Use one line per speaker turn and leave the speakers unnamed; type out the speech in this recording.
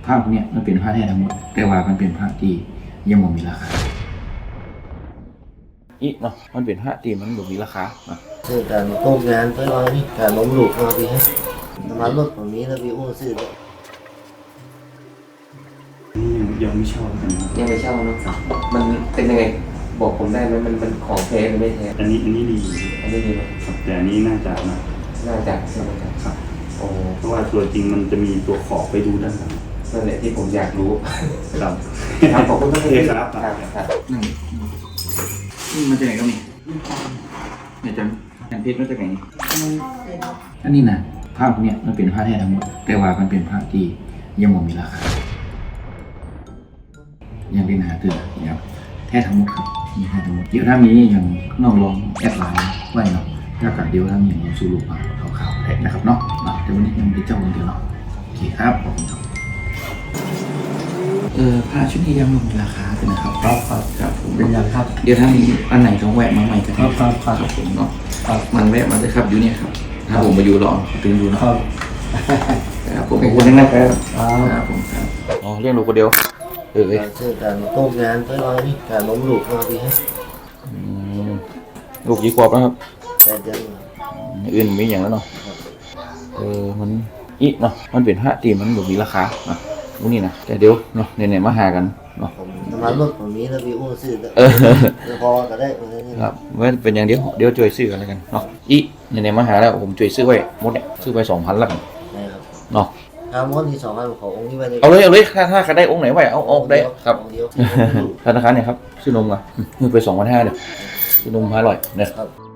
ภาพเนี่ยมันเป็นผ้าแท้ทั้งหมดแต่ว่ามันเป็นผ้าที่ยังไม่มีราคาอีกเนาะมันเป็นผ้าที่มันไม่มีราคา
ซื้อการต้มงานไปลอยนี่การล้มลูกมาพี่ให้น้ำมันรถผมนี้แล้วพี่อู้ซื้อเลย
ยังไม่เช่ากันนะ
ยังไม่เช่าเนาะมันเป็นยังไงบอกผมได้ไหมมันของแท้หรือไม่แท้
อันนี้ดี
อันนี้ดีไหม
ครับแต่อันนี้น่าจะนะ
น่าจะใช่ไหมครับ
ครับ
โอ้
เพราะว่าตัวจริงมันจะมีตัวขอบไปดูด้านหลัง
นั่นแหละที่ผมอยากรู้
ครับ
ครับขอบคุณมาก
โอเคครับ
ครับ
นี่มันจะไหนก็มีเนี่ยจังเพชรมันจะไหนอันนี้นะภาพเนี่ยมันเป็นผ้าแท้ทั้งหมดแต่ว่ามันเป็นผ้าที่ยังไม่มีราคายังเป็นหาตื่นนะครับแท้ทั้งหมดครับมีแท้ทั้งหมดเดี๋ยวถ้ามีอย่างน้องลองแอดไลน์ไว้เนาะถ้ากับเดี๋ยวถ้ามีอย่างลองสู้รูปมาข่าวๆแท็กนะครับเนาะแต่วันนี้ยังไม่ได้เจ้าคนเดียวเนาะโอเคครับขอบคุณครับผ้าชุดนี้ยังไม่มีราคาเลยนะครับครับผม
เป็นอย่างครับ
เดี๋ยวถ้ามีอันไหนต้องแวะมาใหม่ก็ได้
ครับ
ผมเนาะมันแวะมาเลยครับอยู่เนี่ยครับถ้าผมมาอยู่รอตื่นอยู่เนาะ
ครับ
ครับผมขอบคุณนะครับ
ครับ
ผมครับอ๋อเรียกลูกคนเดียว
การซื้อการต้มงานไปลอยนี่การล้มลูกมาพี่ให้
ลูกกี่ขวบแล้วครับ
แต่เดือน
อื่นมีอย่างแล้วเนาะมันอีกเนาะมันเป็นผ้าตีมันแบบมีราคาอ่ะนี่นะแต่เดี๋ยวเนาะไหนๆมาหากันเนาะ
ผมน้ำมันรถผมนี้แล้วพี่อู้ซื้อเลยพอก็ได้นี่
ครับว่าเป็นอย่างเดียวช่วยซื้อกันแล้วกันเนาะอีไหนๆมาหาแล้วผมช่วยซื้อไว้หมดเนี่ยซื้อไป2,000แล้วกัน
นะครับ
เนาะ
ทำมดที่2อันขององค์นี้ไปเลย
เอาเลยถ้าใครได้องค์ไหนไว้เอาได้ครับ
องค์เดียว
ธนาคารเนี่ยครับซื้อนมอ่ะมือไป2,500เนี่ยซื้อนม500เนี่ย
ครับ